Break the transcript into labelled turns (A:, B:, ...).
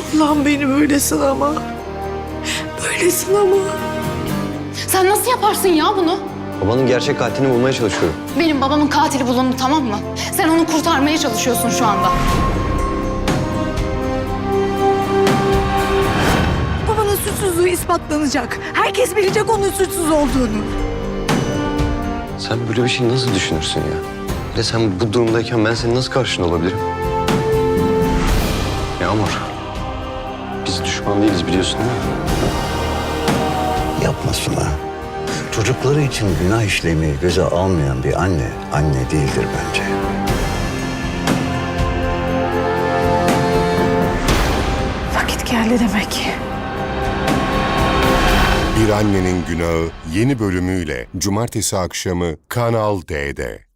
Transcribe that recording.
A: Allah'ım beni böyle sınama. Böyle sınama.
B: Sen nasıl yaparsın ya bunu?
C: Babanın gerçek katilini bulmaya çalışıyorum.
B: Benim babamın katili bulundu, tamam mı? Sen onu kurtarmaya çalışıyorsun şu anda.
A: Babanın suçsuzluğu ispatlanacak. Herkes bilecek onun suçsuz olduğunu.
C: Sen böyle bir şey nasıl düşünürsün ya? Bir de sen bu durumdayken ben senin nasıl karşında olabilirim? Yağmur, biz düşman değiliz biliyorsun değil mi?
D: Yapma Suna. Çocukları için günah işlemeyi göze almayan bir anne, anne değildir bence.
A: Vakit geldi demek.
E: Bir Annenin Günahı yeni bölümüyle Cumartesi akşamı Kanal D'de.